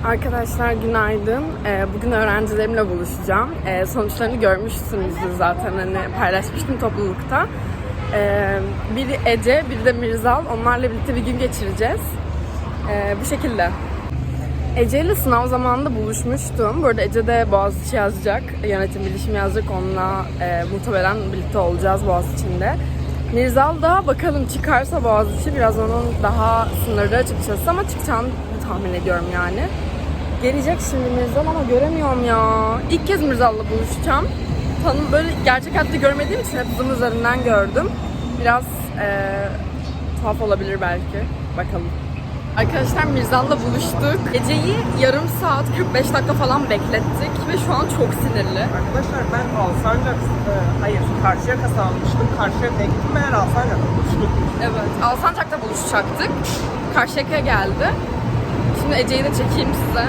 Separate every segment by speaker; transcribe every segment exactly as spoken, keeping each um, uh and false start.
Speaker 1: Arkadaşlar günaydın. Ee, bugün öğrencilerimle buluşacağım. Ee, sonuçlarını görmüşsünüzdür zaten, hani paylaşmıştım toplulukta. Ee, biri Ece, biri de Mirzal. Onlarla birlikte bir gün geçireceğiz. Ee, bu şekilde. Ece ile sınav zamanında buluşmuştum. Bu arada Ece de Boğaziçi yazacak. Yönetim bilişim yazacak. Onunla e, muhtemelen birlikte olacağız Boğaziçi'nde. Mirzal da bakalım çıkarsa Boğaziçi, biraz onun daha sınırda açıkçası ama çıkacağını tahmin ediyorum yani. Gelecek şimdi Mirzal ama göremiyorum ya. İlk kez Mirzal'la buluşacağım. Tanım böyle gerçek hayatta görmediğim için hep Zoom üzerinden gördüm. Biraz e, tuhaf olabilir belki. Bakalım. Arkadaşlar Mirzal'la buluştuk. Geceyi yarım saat kırk beş dakika falan beklettik ve şu an çok sinirli.
Speaker 2: Arkadaşlar ben Alsancak, e, hayır Karşıyaka'da almıştım. Karşıyaka'ya gittim, meğer Alsancak'ta buluştuk.
Speaker 1: Evet, Alsancak'ta buluşacaktık. Karşıyaka'ya geldi. Şimdi Ece'yi de çekeyim size.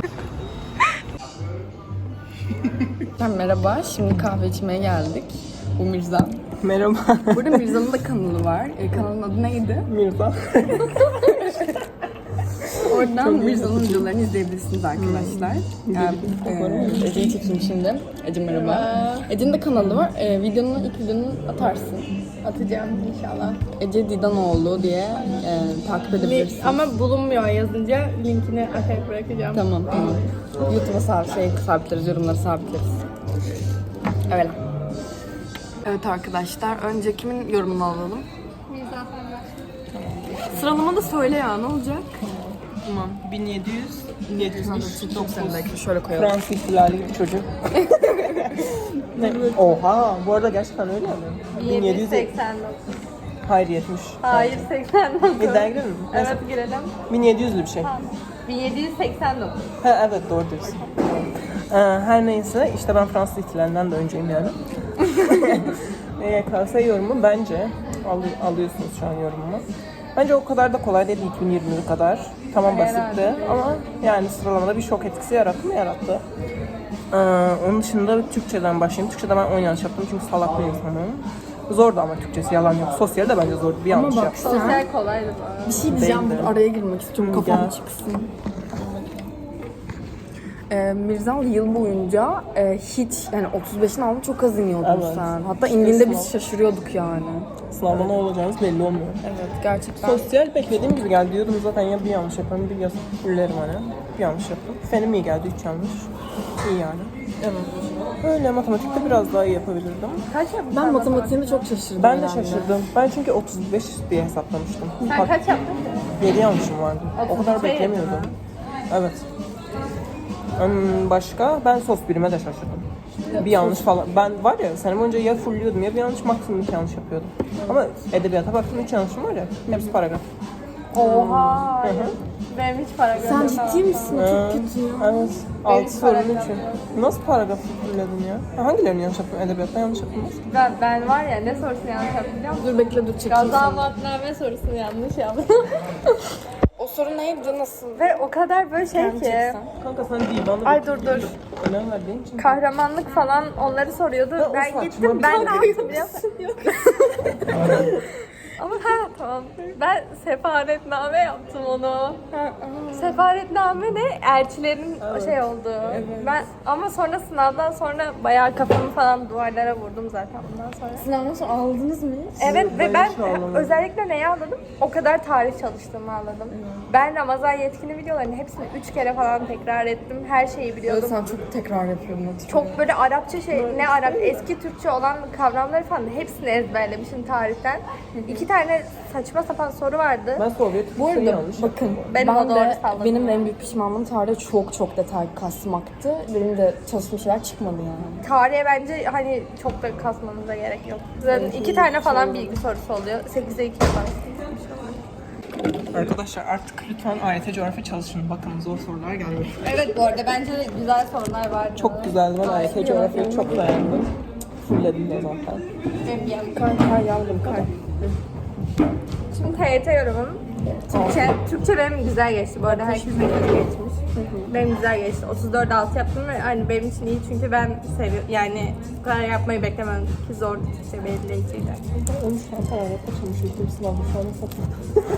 Speaker 1: Merhaba, şimdi kahve içmeye geldik. Bu Mirzal.
Speaker 2: Merhaba.
Speaker 1: Burada Mirzal'ın da kanalı var. E, kanalın adı neydi?
Speaker 2: Mirza.
Speaker 1: Oradan Mirzal'ın videolarını izleyebilirsiniz arkadaşlar. Hmm. Yani, e, Ece'yi çekeyim şimdi. Ece merhaba. Ece'nin de kanalı var. E, videonun ilk videonu atarsın.
Speaker 3: Atacağım inşallah.
Speaker 1: Ece Didanoğlu diye e, takip edebilirsin.
Speaker 3: Ama bulunmuyor yazınca linkini aşağıya bırakacağım.
Speaker 1: Tamam tamam. YouTube'a sab şey sabitleriz, yorumları sabitleriz. Evet. Evet arkadaşlar, önce kimin yorumunu alalım? Sıralama da söyle ya, ne olacak?
Speaker 2: Tamam. bin yedi yüz, bin yedi yüz dokuz.
Speaker 1: Şöyle koyalım.
Speaker 2: Fransız ihtilali gibi çocuk. Ne? Oha, bu arada gerçekten öyle mi?
Speaker 3: bin yedi yüz seksen dokuz.
Speaker 2: Hayır yetmiş.
Speaker 3: Hayır seksen dokuz.
Speaker 2: İddiaya girelim mi? Neyse.
Speaker 3: Evet girelim.
Speaker 2: bin yedi yüzlü bir şey.
Speaker 3: bin yedi yüz seksen dokuz.
Speaker 2: Ha, evet doğru diyorsun. Ee, her neyse işte ben Fransız ihtilalinden de önceyim yani. Y K S yorumu bence, al- alıyorsunuz şu an yorumumu. Bence o kadar da kolay değil iki bin yirmi kadar. Tamam basitti ama yani sıralamada bir şok etkisi yarattı mı? Yarattı. Ee, onun dışında Türkçeden başlayayım. Türkçede ben on yanlış yaptım çünkü salak bir insanım. Zordu ama Türkçesi, yalan yok. Sosyal de bence zordu, bir yanlış yaptım.
Speaker 3: Sosyal kolaydı bu.
Speaker 1: Bir şey diyeceğim,
Speaker 2: Değildi.
Speaker 1: araya girmek istiyorum,
Speaker 2: Hı,
Speaker 1: kafam
Speaker 2: gel.
Speaker 1: çıksın. Ee, Mirzal yıl boyunca e, hiç, yani otuz beşin altında çok az iniyordun
Speaker 2: Evet.
Speaker 1: sen. Hatta
Speaker 2: İşte
Speaker 1: indiğinde biz
Speaker 2: sınav.
Speaker 1: şaşırıyorduk yani.
Speaker 2: Sınavda ne olacağınız belli olmuyor.
Speaker 1: Evet, gerçekten.
Speaker 2: Sosyal beklediğim gibi geldi. Diyordum zaten ya bir yanlış yaparım, bir yazıp fullerim hani. Bir yanlış yaptım. Fenim iyi geldi, üç yanlış. İyi yani.
Speaker 1: Evet.
Speaker 2: Öyle, matematikte biraz daha iyi yapabilirdim.
Speaker 3: Kaç yaptın?
Speaker 1: Ben matematiğinde çok şaşırdım.
Speaker 2: Ben de
Speaker 1: herhalde.
Speaker 2: şaşırdım. Ben çünkü otuz beş diye hesaplamıştım.
Speaker 3: Sen
Speaker 2: Bak,
Speaker 3: kaç yaptın?
Speaker 2: yedi yanlışım vardı. O kadar
Speaker 3: otuz iki
Speaker 2: beklemiyordum. Evet. Hmm, başka? Ben sos birime de şaşırdım. Bir yanlış falan. Ben var ya, sene boyunca ya fulluyordum ya bir yanlış, maksimum iki yanlış yapıyordum. Ama edebiyata baktım, üç yanlışım var ya. Hepsi paragraf.
Speaker 3: Oha.
Speaker 2: Hı hı.
Speaker 3: Benim hiç para
Speaker 1: Sen
Speaker 3: göndermem.
Speaker 1: ciddi misin?
Speaker 2: Ee,
Speaker 1: Çok kötü ya.
Speaker 2: Evet. altı sorunun
Speaker 3: paragraf
Speaker 2: için.
Speaker 3: yok.
Speaker 2: Nasıl paragraf fulledin ya? Ha, hangilerini yanlış yaptım? Edebiyatta yanlış yaptım.
Speaker 3: Ben, ben var ya ne sorusunu yanlış yaptım biliyor musun?
Speaker 1: Dur bekle, dur çekeyim
Speaker 3: Gaza
Speaker 1: seni.
Speaker 3: matname sorusunu yanlış yaptım.
Speaker 1: O soru neydi, nasıl?
Speaker 3: Ve o kadar böyle şey ki.
Speaker 2: Kanka sen değil, bana
Speaker 3: Ay dur dur.
Speaker 2: önem verdiğin için.
Speaker 3: Kahramanlık falan onları soruyordu.
Speaker 2: Ya o
Speaker 3: ben
Speaker 2: saçma
Speaker 3: gittim
Speaker 2: bir
Speaker 3: ben
Speaker 2: soru.
Speaker 3: ne yaptım biliyor musun? Ama ha tamam. Ben sefaretname yaptım onu. Sefaretname ne? Elçilerin şey oldu. Ben ama sonra sınavdan sonra bayağı kafamı falan duvarlara vurdum zaten bundan sonra.
Speaker 1: Sınavdan sonra ağladınız mı?
Speaker 3: Evet
Speaker 2: Ben
Speaker 3: ve ben
Speaker 2: hiç ağlamadım.
Speaker 3: özellikle neyi anladım? O kadar tarih çalıştığımı anladım. Ben Ramazan yetkini videolarını hepsini üç kere falan tekrar ettim. Her şeyi
Speaker 1: Evet,
Speaker 3: biliyordum.
Speaker 1: sen çok tekrar yapıyordun.
Speaker 3: Çok böyle Arapça şey, ne Arap, eski Türkçe olan kavramları falan hepsini ezberlemişim tarihten. İki tane saçma sapan soru vardı.
Speaker 2: Ben Sovyet
Speaker 1: Bu
Speaker 2: Türkçeyi
Speaker 1: arada
Speaker 2: yanlış
Speaker 1: bakın,
Speaker 2: yaptım.
Speaker 3: Ben
Speaker 1: ben,
Speaker 3: o doğru
Speaker 1: de,
Speaker 3: salladım.
Speaker 1: benim de en büyük pişmanlığım tarihte çok çok detay kasmaktı. Benim de çalıştığım şeyler çıkmadı yani.
Speaker 3: Tarihe bence hani çok da kasmanıza gerek yok. Zaten iki tane falan bilgi sorusu oluyor. sekize iki falan.
Speaker 2: Arkadaşlar artık lütfen A Y T coğrafya çalışın. Bakın zor sorular gelmiyor.
Speaker 3: Evet bu arada bence de güzel sorular var.
Speaker 2: Çok güzeldi. Ben A Y T coğrafyayı çok beğendim. Fullledim de zaten.
Speaker 1: Kay kay yavrum kay.
Speaker 3: Şimdi T Y T yorumum. Türkçe, Türkçe benim güzel geçti. Bu arada herkesin kötü geçmiş. Benim güzel geçti. otuz dört altı yaptım ve hani benim için iyi çünkü ben seviyorum. Yani bu kadar yapmayı beklemem ki zordu Türkçe belirleyiciydi.
Speaker 2: on üç tane paragraf çalışmıştım sınavda şu an satın.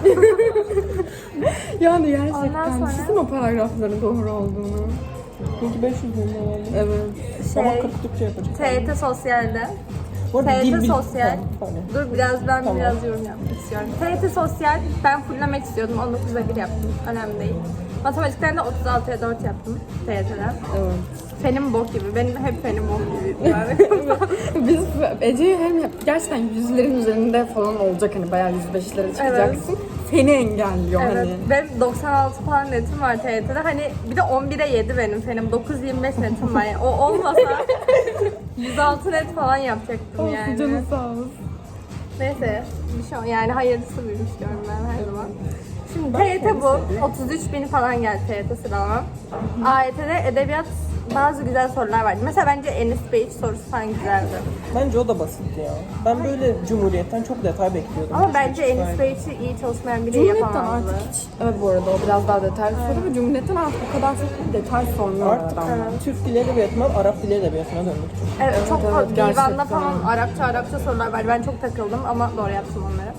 Speaker 1: Yani gerçekten
Speaker 3: Ondan sonra-
Speaker 1: düşünsene o paragrafların doğru olduğunu.
Speaker 2: Çünkü beş yüz bin lira.
Speaker 1: Evet.
Speaker 3: Şey,
Speaker 2: Ama kapı Türkçe yapacak.
Speaker 3: T Y T Sosyal'de.
Speaker 2: Bu arada
Speaker 3: T Y
Speaker 2: dil
Speaker 3: T
Speaker 2: bil-
Speaker 3: Sosyal.
Speaker 2: Tamam, pardon.
Speaker 3: Dur biraz ben
Speaker 2: Tamam.
Speaker 3: biraz yorum yapmak istiyorum. T Y T Sosyal ben fulllemek istiyordum. on dokuzda bir yaptım. Önemli değil. Matematikten de otuz altıya dört yaptım T Y T'den.
Speaker 1: Evet.
Speaker 3: Fenim bok gibi. Benim hep fenim bok gibi. Yani.
Speaker 1: Biz Ece'yi hem hep gerçekten yüzlerin üzerinde falan olacak hani bayağı yüz beşlere çıkacaksın. Seni engelliyor
Speaker 3: Evet.
Speaker 1: hani.
Speaker 3: Benim doksan altı falan netim var T Y T'de. Hani bir de on bire yedi benim fenim. dokuz yirmi beş netim var. Yani. O olmasa yüz altı net falan yapacaktım
Speaker 1: Olsun
Speaker 3: yani.
Speaker 1: canı sağ olsun.
Speaker 3: Neyse. Bir şey, yani hayırlısı buymuş diyorum ben her zaman. Şimdi T Y T bu. otuz üç bin falan geldi T Y T sıralama. A Y T'de edebiyat bazı güzel sorular vardı. Mesela bence Enis Bey'iç sorusu falan güzeldi.
Speaker 2: Bence o da basitti ya. Ben böyle Cumhuriyet'ten çok detay bekliyordum.
Speaker 3: Ama
Speaker 2: Hiç
Speaker 3: bence
Speaker 2: hiç
Speaker 3: Enis
Speaker 2: yani.
Speaker 3: Bey'iç'i iyi çalışmayan biri
Speaker 1: Cumhuriyet'ten
Speaker 3: yapamazdı.
Speaker 1: artık hiç, evet bu arada o biraz daha detaylı soru ve Cumhuriyet'ten artık o kadar çok detay sormuyor
Speaker 2: Artık
Speaker 1: adamlar.
Speaker 2: Türk dili edebiyatından Arap dili edebiyatına döndük.
Speaker 3: Evet, çok
Speaker 1: evet,
Speaker 3: fazla divanda
Speaker 1: gerçekten.
Speaker 3: falan Arapça Arapça sorular vardı. Ben çok takıldım ama doğru yaptım onları.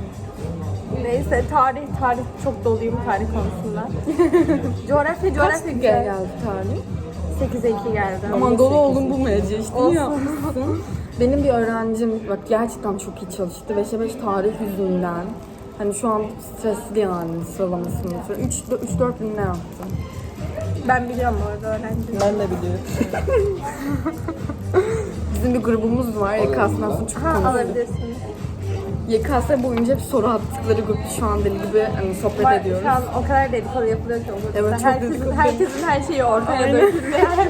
Speaker 3: Neyse tarih tarih çok doluyum tarih konusunda. coğrafya
Speaker 1: Kaç
Speaker 3: coğrafya
Speaker 1: dakika
Speaker 3: güzel.
Speaker 1: geldi tarih?
Speaker 3: sekize iki geldi.
Speaker 1: Aman dolu oldum bu Ece işte
Speaker 3: Olsun.
Speaker 1: iyi yapmışsın. Benim bir öğrencim bak gerçekten çok iyi çalıştı. beşe beş tarih yüzünden. Hani şu an stresli yani sıralamasını. üç dört bin ne yaptı?
Speaker 3: Ben biliyorum bu arada öğrenci.
Speaker 2: Ben de biliyorum.
Speaker 1: Bizim bir grubumuz var. Y K S'den sonra çok
Speaker 3: Ha
Speaker 1: konuşuyoruz.
Speaker 3: alabilirsiniz.
Speaker 1: Y K S boyunca hep soru attıkları grup şu an deli gibi hani sohbet
Speaker 3: Var,
Speaker 1: ediyoruz.
Speaker 3: şu an o kadar dedikodu yapılıyor ki o
Speaker 1: Evet,
Speaker 3: grupta.
Speaker 1: çok
Speaker 3: herkesin,
Speaker 1: dedikodu.
Speaker 3: herkesin her şeyi ortaya
Speaker 1: Aynen.
Speaker 3: döküldü yani.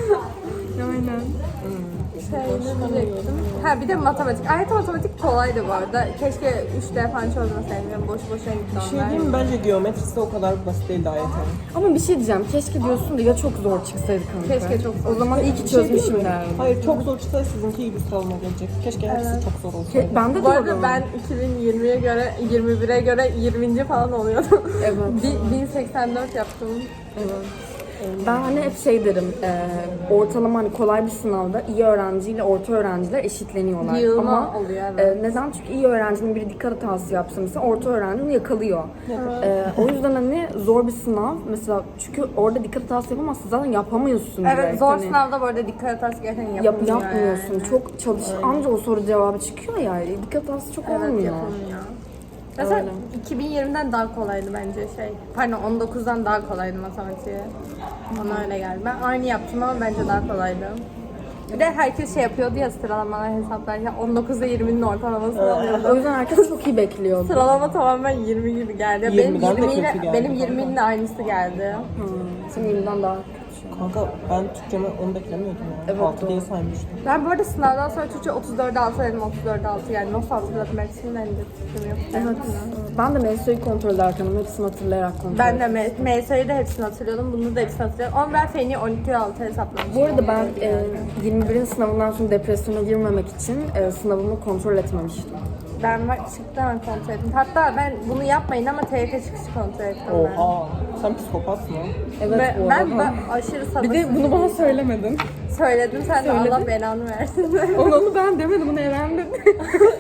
Speaker 1: Aynen.
Speaker 3: Şey ne diyecektim? Ha bir de matematik. Ayet matematik kolaydı bu arada. Keşke üç D falan çözmeseydim. Boş boşuna gitti
Speaker 2: Bir şey
Speaker 3: onlar.
Speaker 2: diyeyim mi? Bence geometrisi de o kadar basit değildi ayetin.
Speaker 1: Ama bir şey diyeceğim. Keşke diyorsun da ya çok zor çıksaydı kanka.
Speaker 3: Keşke çok zor.
Speaker 1: O zaman iyi ki
Speaker 2: Bir şey diyeyim
Speaker 1: çözmüşüm
Speaker 2: mi?
Speaker 1: derdim.
Speaker 2: Hayır çok zor çıksa sizinki gibi sıralama gelecek. Keşke hepsi çok zor olsaydı.
Speaker 1: Ke- ben de
Speaker 3: Bu arada
Speaker 1: diyorum.
Speaker 3: ben iki bin yirmiye göre, yirmi bire göre yirminci falan oluyordum.
Speaker 1: Evet.
Speaker 3: Bi- bin seksen dört yaptım.
Speaker 1: Evet. Ben hani hep şey derim, e, ortalama hani kolay bir sınavda iyi öğrenciyle orta öğrenciler eşitleniyorlar.
Speaker 3: Yığılma
Speaker 1: Ama
Speaker 3: oluyor, evet.
Speaker 1: e, neden? Çünkü iyi öğrencinin biri dikkat hatası yapsa mesela orta öğrenci onu yakalıyor. E, o yüzden hani zor bir sınav mesela çünkü orada dikkat hatası yapamazsın zaten yapamıyorsun
Speaker 3: Evet
Speaker 1: direkt.
Speaker 3: zor
Speaker 1: Hani
Speaker 3: sınavda bu arada dikkat hatası gerçekten
Speaker 1: yap,
Speaker 3: yapılmıyor
Speaker 1: yapmıyorsun.
Speaker 3: yani.
Speaker 1: Çok çalış anca o soru cevabı çıkıyor ya. Dikkat hatası çok
Speaker 3: Evet
Speaker 1: olmuyor.
Speaker 3: yapılmıyor. Mesela
Speaker 1: Öyle.
Speaker 3: iki bin yirmiden daha kolaydı bence şey. Pardon on dokuzdan daha kolaydı matematiği. Bana öyle geldi. Ben aynı yaptım ama bence daha kolaydı. Bir de herkes şey yapıyordu ya sıralamalar hesaplarken on dokuzda yirminin ortalamasını
Speaker 1: O
Speaker 3: alıyordu.
Speaker 1: yüzden herkes çok iyi bekliyordu.
Speaker 3: Sıralama tamamen yirmi gibi geldi. Benim
Speaker 2: yirmiden de
Speaker 3: yirmi ile
Speaker 2: kötü geldi
Speaker 3: benim
Speaker 2: kanka.
Speaker 3: yirminin de aynısı geldi.
Speaker 1: Hmm, senin yirmiden daha
Speaker 2: Kanka ben Türkçeme onu beklemiyordum ya.
Speaker 1: Evet,
Speaker 2: altı diye
Speaker 1: doğru.
Speaker 2: saymıştım.
Speaker 3: Ben bu arada sınavdan sonra Türkçe otuz dörde altı dedim, otuz dörde altı yani nasıl hatırladım hepsini ben de fikrim yok.
Speaker 1: Evet. Ben de M S I'yi kontrol ederken ama hepsini hatırlayarak kontrol
Speaker 3: Ben de M S I'yi de hepsini hatırlıyordum, bunu da hepsini hatırlıyorum. Ama ben Feni on iki altı hesaplamıştım.
Speaker 1: Bu arada ben e, yirmi birin sınavından sonra depresyona girmemek için e, sınavımı kontrol etmemiştim.
Speaker 3: Ben var, çıktı hemen kontrol ettim. Hatta ben bunu yapmayın ama T Y T çıkışı kontrol ettim ben.
Speaker 2: Oha. Sen psikopatsın ha.
Speaker 1: Evet
Speaker 3: Ve
Speaker 1: bu
Speaker 3: ben,
Speaker 1: arada.
Speaker 3: ben aşırı sabırsız.
Speaker 1: Bir de bunu bana söylemedin.
Speaker 3: söyledim, sen de
Speaker 1: Söyledin.
Speaker 3: Allah belanı versin.
Speaker 1: onu, onu ben demedim, onu Eren dedi.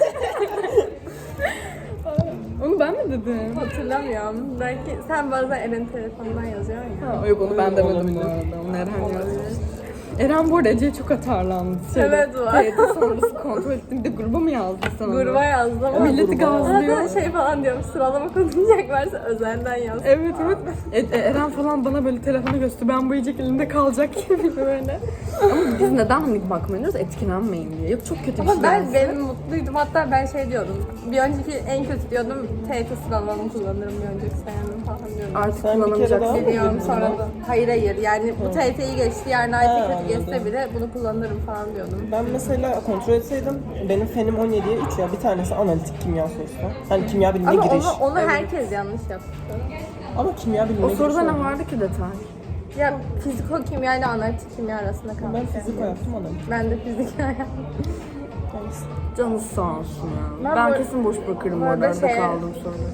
Speaker 1: Onu ben mi dedim?
Speaker 3: Hatırlamıyorum. Belki sen bazen Eren telefonundan yazıyorsun ya.
Speaker 1: Ha, yok onu ben demedim
Speaker 2: Olabilir.
Speaker 1: bu arada. Onu Eren yazdı. Eren bu arada Ece'ye çok atarlandı.
Speaker 3: Evet, var.
Speaker 1: T Y T sonrası kontrol ettim. Bir de gruba mı yazdın sen onu?
Speaker 3: Gruba yazdım ama
Speaker 1: Milleti gazlıyor.
Speaker 3: Arada şey falan diyorum, sıralama konuşacak varsa özelden yaz.
Speaker 1: Evet evet. E, e, Eren falan bana böyle telefonu gösterdi. Ben bu yiyecek elinde kalacak gibi böyle. Ama biz neden hani bakmıyoruz? Etkilenmeyin diye. Yok çok kötü bir
Speaker 3: Ama
Speaker 1: şey.
Speaker 3: ben
Speaker 1: yazsa.
Speaker 3: benim mutluydum. Hatta ben şey diyordum. Bir önceki en kötü diyordum. T Y T sıralamamı kullanırım bir önceki senemde falan diyordum.
Speaker 1: Artık
Speaker 2: Sen bir kere
Speaker 1: kullanılacak.
Speaker 2: daha mı
Speaker 3: Biliyorum
Speaker 2: girdin
Speaker 3: sonra
Speaker 2: ya?
Speaker 3: da. Hayır hayır yani bu T Y T'yi geçti yarın
Speaker 2: Ha,
Speaker 3: artık kötü
Speaker 2: anladım.
Speaker 3: geçse bile bunu kullanırım falan diyordum.
Speaker 2: Ben mesela kontrol etseydim benim fenim on yediye üç ya. Bir tanesi analitik kimya sorusu. Hani kimya bilimine
Speaker 3: Ama
Speaker 2: giriş.
Speaker 3: onu, onu herkes yanlış yaptı.
Speaker 2: Ama kimya bilimine
Speaker 1: O
Speaker 2: giriş
Speaker 1: soruda ne
Speaker 2: oldu.
Speaker 1: vardı ki detay?
Speaker 3: Ya fiziko kimya ile analitik kimya arasında kaldım.
Speaker 2: Ben fiziko yaptım analitik.
Speaker 3: Ben de fizik yaptım.
Speaker 2: Neyse.
Speaker 1: Canı sağ olsun ya.
Speaker 3: Ben
Speaker 1: Ben,
Speaker 3: bu-
Speaker 1: kesin boş bırakırım
Speaker 3: bu
Speaker 1: orada
Speaker 3: arada
Speaker 1: arada
Speaker 3: şey-
Speaker 1: kaldım sonra.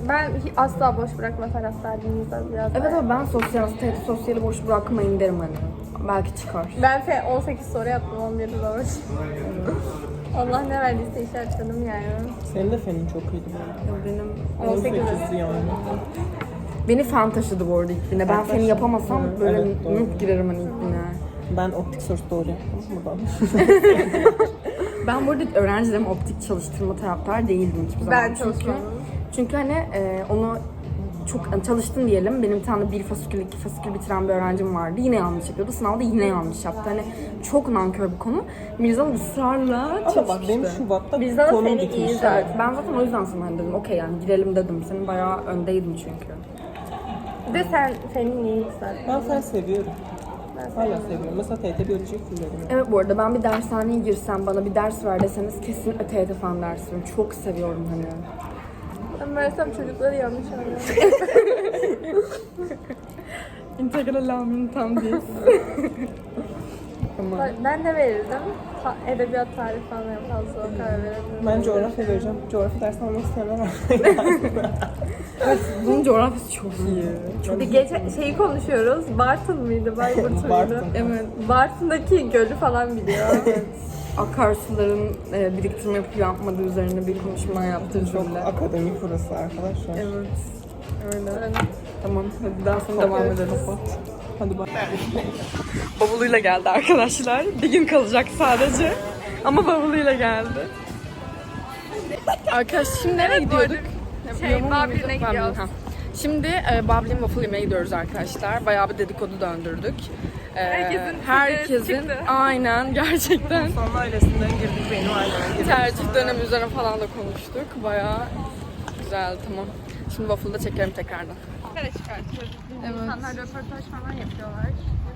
Speaker 3: Ben hi- asla boş bırakma taraftarıyım biraz.
Speaker 1: Evet ama ben sosyal, sosyali boş bırakmayın derim hani. Belki çıkar.
Speaker 3: Ben fe on sekiz soru yaptım on bir zor. Allah ne verdiyse işaretledim yani.
Speaker 2: Senin de fenin çok iyiydi bu
Speaker 1: Benim
Speaker 2: arada.
Speaker 3: on sekiz.
Speaker 2: on sekizdi yani.
Speaker 1: Beni fen taşıdı bu arada ilk bine. Ben feni yapamasam böyle
Speaker 2: Evet, doğru.
Speaker 1: mık girerim hani ilk bine.
Speaker 2: Ben optik sorusu doğru yaptım buradan.
Speaker 1: Ben bu arada öğrencilerime optik çalıştırma taraftar değildim hiçbir zaman.
Speaker 3: Ben
Speaker 1: Çünkü-
Speaker 3: çalışmadım.
Speaker 1: Çünkü hani e, onu çok hani çalıştın diyelim. Benim bir tane bir fasikül, iki fasikül bitiren bir öğrencim vardı. Yine yanlış yapıyordu. Sınavda yine yanlış yaptı. Hani çok nankör bir konu. Mirzal ısrarla
Speaker 2: Ama bak
Speaker 1: çalıştı.
Speaker 2: benim Şubat'ta
Speaker 3: Bizden
Speaker 2: konum
Speaker 3: seni
Speaker 2: gitmiş.
Speaker 3: iyi zaten.
Speaker 1: Evet, ben zaten o yüzden sana hani dedim. Okey yani girelim dedim. Senin bayağı öndeydin çünkü.
Speaker 3: Bir de sen senin iyi zaten.
Speaker 2: Ben fen seviyorum.
Speaker 3: Ben
Speaker 2: Hala seviyorum. Mesela T T biyoloji fulledim.
Speaker 1: Evet bu arada ben bir dershaneye girsem bana bir ders ver deseniz kesinlikle T T fen dersim. Çok seviyorum hani.
Speaker 3: Ben versem çocukları yanlış anlıyor.
Speaker 1: İntegral amin tam değil. Tamam.
Speaker 3: Ben de verirdim. Ta- edebiyat tarih falan en fazla o kadar verirdim.
Speaker 2: Ben coğrafya vereceğim. Coğrafya dersi almak isteyenler var.
Speaker 1: Bunun coğrafyası çok iyi.
Speaker 3: Bir de gece şeyi konuşuyoruz. Bartın mıydı? Bayburt muydu?
Speaker 2: Bartın.
Speaker 1: Evet.
Speaker 3: Bartın'daki gölü falan biliyor.
Speaker 1: Akarsuların e, biriktirme yapıp yapmadığı üzerine bir konuşma yaptı
Speaker 2: Çok
Speaker 1: cümle.
Speaker 2: akademik burası arkadaşlar.
Speaker 1: Evet. Öyle. Tamam hadi daha sonra devam ederiz.
Speaker 2: Hadi bak.
Speaker 1: Bavuluyla geldi arkadaşlar. Bir gün kalacak sadece. Ama bavuluyla geldi. Arkadaş şimdi nereye gidiyorduk?
Speaker 3: Şey,
Speaker 1: Yaman
Speaker 3: Bablin'e
Speaker 1: mıydı?
Speaker 3: gidiyoruz.
Speaker 1: Bablin, ha. Şimdi e, Bablin waffle yemeye gidiyoruz arkadaşlar. Bayağı bir dedikodu döndürdük. E,
Speaker 3: Herkesin
Speaker 1: herkesin
Speaker 3: çıktı.
Speaker 1: aynen gerçekten
Speaker 2: Son ailesinden girdik benim aileme girdik.
Speaker 1: tercih dönemi üzerine falan da konuştuk. Bayağı güzel tamam. Şimdi waffle'da çekerim tekrardan.
Speaker 3: Nereye çıkartıyoruz?
Speaker 1: Evet.
Speaker 3: İnsanlar röportaj falan yapıyorlar.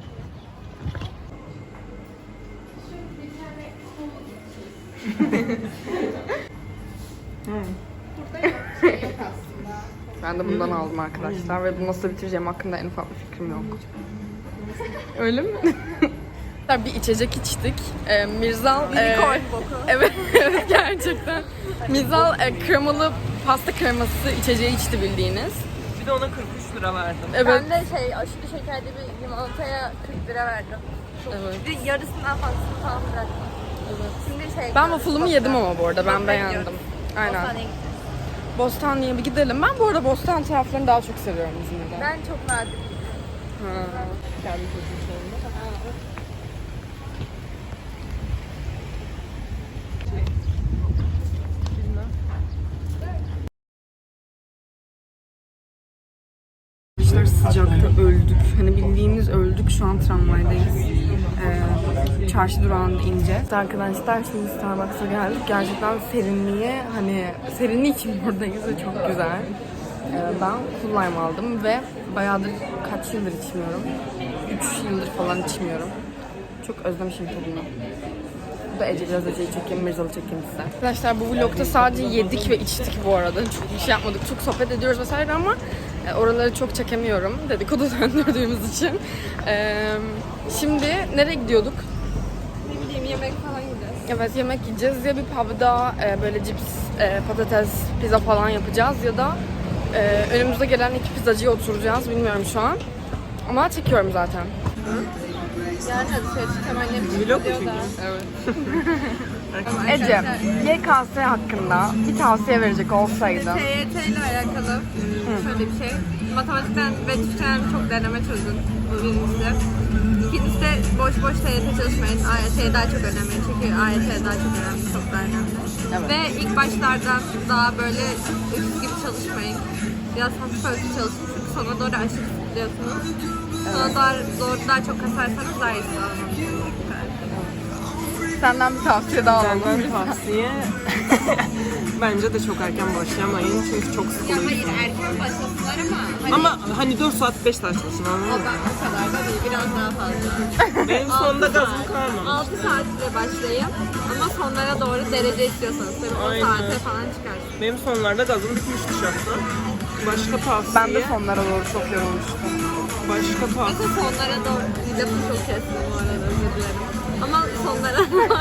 Speaker 1: Ben de bundan aldım arkadaşlar ve bunu nasıl bitireceğim hakkında en ufak bir fikrim yok. Öyle mi? Bir içecek içtik. Ee, Mirzal...
Speaker 3: Unicorn
Speaker 1: e,
Speaker 3: boku.
Speaker 1: Evet, evet gerçekten. Mirzal e, kremalı pasta kreması içeceği içti bildiğiniz.
Speaker 2: Bir de ona kırk üç lira verdim.
Speaker 1: Evet.
Speaker 3: Ben de şey aşırı şekerli bir limonataya kırk lira verdim.
Speaker 1: Evet.
Speaker 3: Bir yarısından fazlasını falan bıraktım. Şimdi şey...
Speaker 1: Ben waffle'ımı yedim ama bu arada ben
Speaker 3: Bostan'a
Speaker 1: beğendim.
Speaker 3: gidiyoruz.
Speaker 1: Aynen.
Speaker 3: Bostan'a gittim.
Speaker 1: Bostanlı'ya bir gidelim. Ben bu arada Bostan taraflarını daha çok seviyorum İzmir'de.
Speaker 3: Ben çok nadir.
Speaker 1: Ha.
Speaker 2: Kendi çocuğum sonunda.
Speaker 1: Arkadaşlar sıcakta öldük. Hani bildiğimiz öldük. Şu an tramvaydayız. Ee, çarşı durağında ineceğiz. Arkadaşlar şimdi Starbucks'a geldik. Gerçekten serinliği hani serinliği için buradayız ve çok güzel. Ee, ben Cool Lime aldım ve bayağıdır kaç yıldır içmiyorum. üç yıldır falan içmiyorum. Çok özlemişim tadını. Bu da Ece biraz Ece'yi çekeyim, Mirzal'ı çekeyim size. Arkadaşlar bu vlogda sadece yedik ve içtik bu arada. Çok bir şey yapmadık. Çok sohbet ediyoruz vesaire ama e, oraları çok çekemiyorum. Dedikodu döndürdüğümüz için. E, şimdi nereye gidiyorduk?
Speaker 3: Ne bileyim yemek falan yiyeceğiz.
Speaker 1: Evet yemek yiyeceğiz. Ya bir pub'da e, böyle cips, e, patates, pizza falan yapacağız ya da e, önümüzde gelen iki pizzacıya oturacağız. Bilmiyorum şu an. Ama çekiyorum zaten.
Speaker 3: Yani hadi şöyle çıkamayın.
Speaker 2: Vlog mu çekiyorsun?
Speaker 1: Evet. Ece, Y K S hakkında bir tavsiye verecek olsaydın.
Speaker 3: T Y T ile alakalı şöyle bir şey. Matematikten ve Türkçeden çok deneme çözün. Bu birincisi. İkincisi de boş boş T Y T çalışmayın. A Y T daha çok önemli. Çünkü A Y T daha çok önemli. Çok daha önemli.
Speaker 1: Evet.
Speaker 3: Ve ilk başlardan daha böyle öküz gibi çalışmayın. Biraz hafif hafif çalışın. Çünkü sona doğru aşırı sıkılıyorsunuz. Sona doğru, doğru daha çok kasarsanız daha iyi sağlamalısınız.
Speaker 1: Senden bir tavsiye daha alalım.
Speaker 2: Benden tavsiye bence de çok erken başlamayın çünkü çok
Speaker 3: Ya
Speaker 2: sıkılıyorsun.
Speaker 3: hayır erken başlasınlar ama hani
Speaker 2: Ama hani dört saat beş saat çalışın
Speaker 3: o,
Speaker 2: anladın mı?
Speaker 3: ben, o kadar da değil biraz daha fazla.
Speaker 2: Benim sonunda gazım kalmamış.
Speaker 3: altı saatle başlayın ama sonlara doğru derece istiyorsanız tabii on
Speaker 2: Aynen.
Speaker 3: saate falan çıkarsın.
Speaker 2: Benim sonlarda gazım bitmişti şahsen. Başka tavsiye.
Speaker 1: Ben de sonlara doğru çok yorulmuştum.
Speaker 2: Başka tavsiye.
Speaker 3: Mesela sonlara doğru lafı çok kestim bu arada özür dilerim. Ama sonlara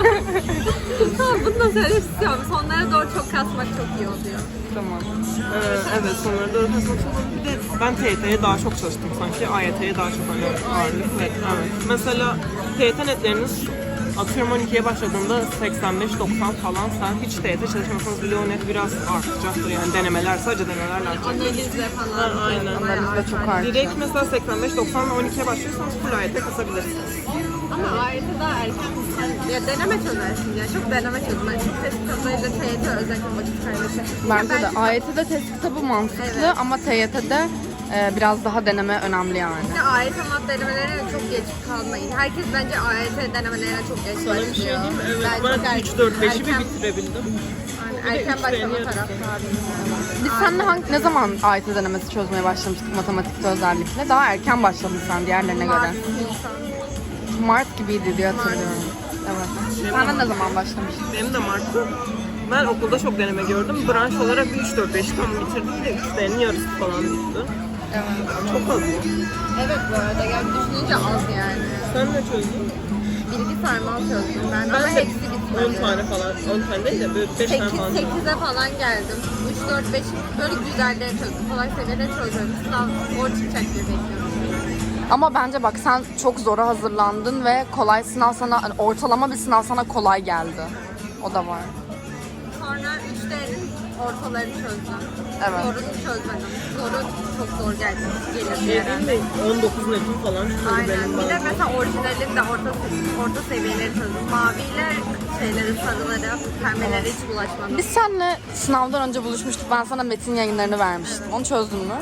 Speaker 3: tamam bunu da söylemek istiyorum. Sonlara doğru çok kasmak çok iyi oluyor.
Speaker 2: Tamam. Ee, evet sonları doğru kasmak çok önemli. Bir de ben T Y T'ye daha çok çalıştım sanki. A Y T'ye daha çok hani ağırlık. Evet, evet. Mesela T Y T netleriniz atıyorum on ikiye başladığında seksen beş doksan falan sen hiç T Y T çalışmasanız bile o net biraz artacaktır yani denemeler sadece denemeler artacak.
Speaker 3: Analizle falan.
Speaker 2: Ha, aynen.
Speaker 1: Analizde çok artıyor.
Speaker 2: Direkt mesela seksen beş doksan on ikiye başlıyorsanız full A Y T kasabilirsiniz.
Speaker 3: Ama A Y T daha erken. Ya deneme çözersin ya. Çok deneme çözme. Çok test kitabıyla T Y T özellikle vakit kaybı.
Speaker 1: Bence de A Y T'de test kitabı mantıklı
Speaker 3: Evet.
Speaker 1: ama T Y T'de e, biraz daha deneme önemli yani.
Speaker 3: Bir de A Y T mat denemelerine çok geç kalmayın. Herkes bence A Y T denemelerine çok geç
Speaker 2: Sana
Speaker 3: başlıyor.
Speaker 2: bir şey diyeyim mi? Evet
Speaker 3: Ben çok
Speaker 2: ben
Speaker 3: er-
Speaker 2: üç dört beşi bir
Speaker 3: erken-
Speaker 2: bitirebildim.
Speaker 3: yani erken
Speaker 2: üç
Speaker 3: başlama
Speaker 2: beğeniyorum.
Speaker 3: taraftarıyım.
Speaker 1: Biz seninle hangi, ne zaman A Y T denemesi çözmeye başlamıştık matematikte özellikle? Daha erken başladın sen diğerlerine göre.
Speaker 3: Mart, Nisan.
Speaker 1: Mart gibiydi diye hatırlıyorum. Evet. Sen de ne zaman başlamıştın?
Speaker 2: Benim de Mart'ta. Ben okulda çok deneme gördüm. Branş olarak üç dört beş tam bitirdim de üçlerin yarısı falan bitti.
Speaker 1: Evet.
Speaker 2: Çok az bu.
Speaker 3: Evet bu arada yani düşününce az yani.
Speaker 2: Sen ne çözdün?
Speaker 3: Bilgi sarmal çözdüm ben, ama
Speaker 2: Ben de
Speaker 3: hepsi bitmedi.
Speaker 2: on tane falan, on tane değil de böyle beş tane falan.
Speaker 3: sekize falan geldim. üç dört beş böyle güzelleri çözdüm. Kolay seviyeleri çözdüm. Sınav zor çıkacak diye bekliyorum.
Speaker 1: Ama bence bak sen çok zora hazırlandın ve kolay sınav sana, hani ortalama bir sınav sana kolay geldi. O da var.
Speaker 3: Sonra üç D'nin ortalarını çözdüm.
Speaker 1: Evet.
Speaker 3: Zorunu çözmedim. Zoru çok zor geldi. Gelir bir
Speaker 2: Şey
Speaker 3: yere.
Speaker 2: değil mi? on dokuz netim falan çıkıyordu
Speaker 3: Aynen.
Speaker 2: benim
Speaker 3: Bir de
Speaker 2: bazen.
Speaker 3: mesela orijinalin de orta, orta seviyeleri çözdüm. Maviyle şeyleri, sarıları, pembeleri hiç bulaşmadım.
Speaker 1: Biz seninle sınavdan önce buluşmuştuk. Ben sana metin yayınlarını vermiştim. Onu çözdün mü?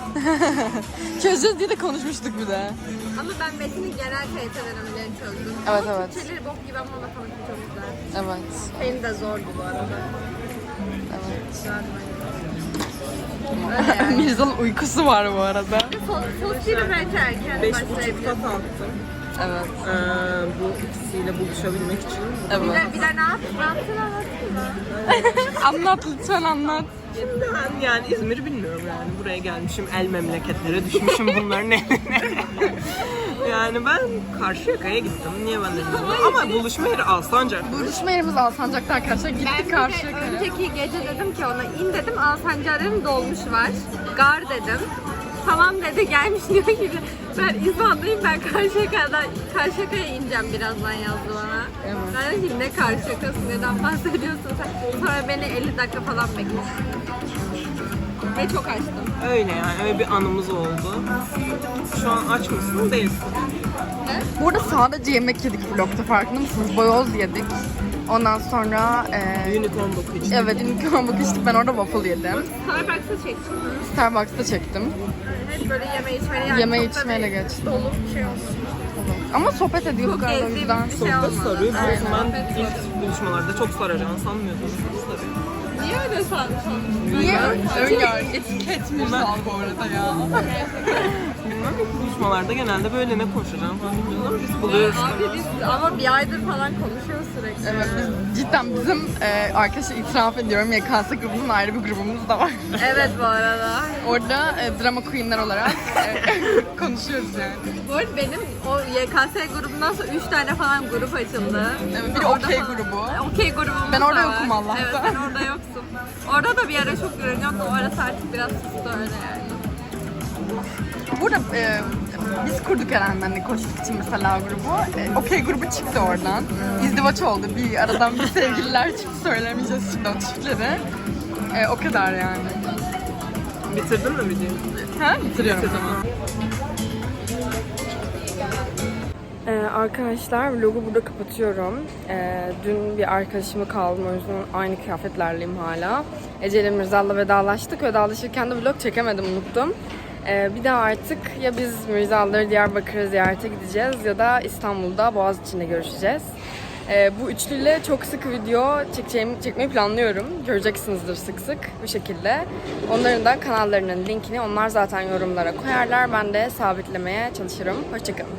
Speaker 1: Çözeceğiz diye de konuşmuştuk bir de.
Speaker 3: Ama ben Metin'in genel T Y T denemelerini çözdüm.
Speaker 1: Evet,
Speaker 3: Ama
Speaker 1: evet.
Speaker 3: Türkçeleri bok gibi ama matematik çok güzel.
Speaker 1: Evet.
Speaker 3: Benim de zordu bu arada.
Speaker 1: Evet.
Speaker 3: Güzeldi bence. Öyle yani.
Speaker 1: Mirza'nın uykusu var bu arada.
Speaker 3: Sos, sos gibi bence erken
Speaker 2: Beş buçukta
Speaker 3: başlayabilirim.
Speaker 2: kalktım.
Speaker 1: Evet.
Speaker 2: Ee, bu ikisiyle buluşabilmek için.
Speaker 3: Bir
Speaker 1: Evet.
Speaker 3: de, bir de ne yap? Ne yaptın anlatayım mı?
Speaker 1: Anlat lütfen anlat.
Speaker 2: Şimdi ben yani İzmir'i bilmiyorum yani. Buraya gelmişim, el memleketlere düşmüşüm bunların eline. Yani ben Karşıyaka'ya gittim. Niye ben de bilmiyorum. Ama buluşma yeri Alsancak.
Speaker 1: Buluşma yerimiz Alsancak'ta arkadaşlar.
Speaker 3: Ben
Speaker 1: Gittik
Speaker 3: bir de
Speaker 1: Karşıyaka'ya.
Speaker 3: önceki gece dedim ki ona in dedim, Alsancak'a dedim dolmuş var. Gar dedim. Tamam dedi, gelmiş diyor ki ben İzmir'deyim, ben Karşıyaka'dan Karşıyaka'ya ineceğim birazdan yazdı bana.
Speaker 1: Evet.
Speaker 3: Ben dedim ki ne Karşıyaka'sı, neden bahsediyorsun sen? Sonra beni elli dakika falan bekletti. Ve çok açtım.
Speaker 2: Öyle yani öyle bir anımız oldu. Şu an aç mısın? Değilsin.
Speaker 1: Burada sadece yemek yedik vlogta, farkında mısınız? Boyoz yedik. Ondan sonra e,
Speaker 2: Unicorn boku için.
Speaker 1: evet unicorn book içtik. Ben orada waffle yedim.
Speaker 3: Starbucks'a çektim.
Speaker 1: Starbucks'ta çektim.
Speaker 3: Hep böyle yeme içmeli yani.
Speaker 1: Yeme
Speaker 3: çok da
Speaker 1: içmeyle
Speaker 3: bir
Speaker 1: geçti.
Speaker 3: Dolu bir şey oldu.
Speaker 1: Ama sohbet ediyorduk
Speaker 3: Çok
Speaker 1: arada o
Speaker 3: gezdiğim
Speaker 1: yüzden.
Speaker 3: bir
Speaker 2: Çok
Speaker 3: şey
Speaker 2: da
Speaker 3: olmadı.
Speaker 2: sarıyor. Biliyorsun
Speaker 3: Aynen.
Speaker 2: ben ilk buluşmalarda çok saracağını sanmıyordum. Çok sarıyor.
Speaker 3: Niye öyle sanmış oldun?
Speaker 1: Niye? Öyle etiket Mirzal bu arada ya.
Speaker 2: Bilmem ilk buluşmalarda genelde böyle ne konuşacağım falan bilmiyoruz ama biz buluyoruz.
Speaker 3: Abi biz ama bir aydır falan konuşuyoruz sürekli.
Speaker 1: Evet, biz cidden bizim e, arkadaşlar itiraf ediyorum Y K S grubunun ayrı bir grubumuz da var.
Speaker 3: Evet bu arada.
Speaker 1: Orada e, drama queenler olarak e, konuşuyoruz yani.
Speaker 3: Bu arada benim o Y K S grubundan sonra üç tane falan grup açıldı.
Speaker 1: Evet, bir de
Speaker 3: Orada
Speaker 1: okey
Speaker 3: falan-
Speaker 1: grubu.
Speaker 3: Okey grubumuz
Speaker 1: Ben orada
Speaker 3: da var.
Speaker 1: yokum Allah'tan.
Speaker 3: Evet sen orada yoksun. Orada da bir ara çok görünüyordu. O arası artık biraz sustu öyle yani.
Speaker 1: Burada e, biz kurduk Eren'le koçluk için mesela grubu. E, okey grubu çıktı oradan. İzdivaç oldu. Bir aradan bir sevgililer çıktı. Söylemeyeceğiz şimdi o çiftleri. E, o kadar yani.
Speaker 2: Bitirdin mi videoyu?
Speaker 1: Ha? Bitiriyorum.
Speaker 2: Tamam.
Speaker 1: Ee, arkadaşlar vlogu burada kapatıyorum. Ee, dün bir arkadaşımı kaldım, o yüzden aynı kıyafetlerleyim hala. Ece ile Mirzal'la vedalaştık. Vedalaşırken de vlog çekemedim, unuttum. Ee, bir daha artık ya biz Mirzal'ları Diyarbakır'a ziyarete gideceğiz ya da İstanbul'da Boğaziçi'nde görüşeceğiz. Ee, bu üçlüyle çok sık video çekeceğim, çekmeyi planlıyorum. Göreceksinizdir sık sık bu şekilde. Onların da kanallarının linkini onlar zaten yorumlara koyarlar. Ben de sabitlemeye çalışırım. Hoşçakalın.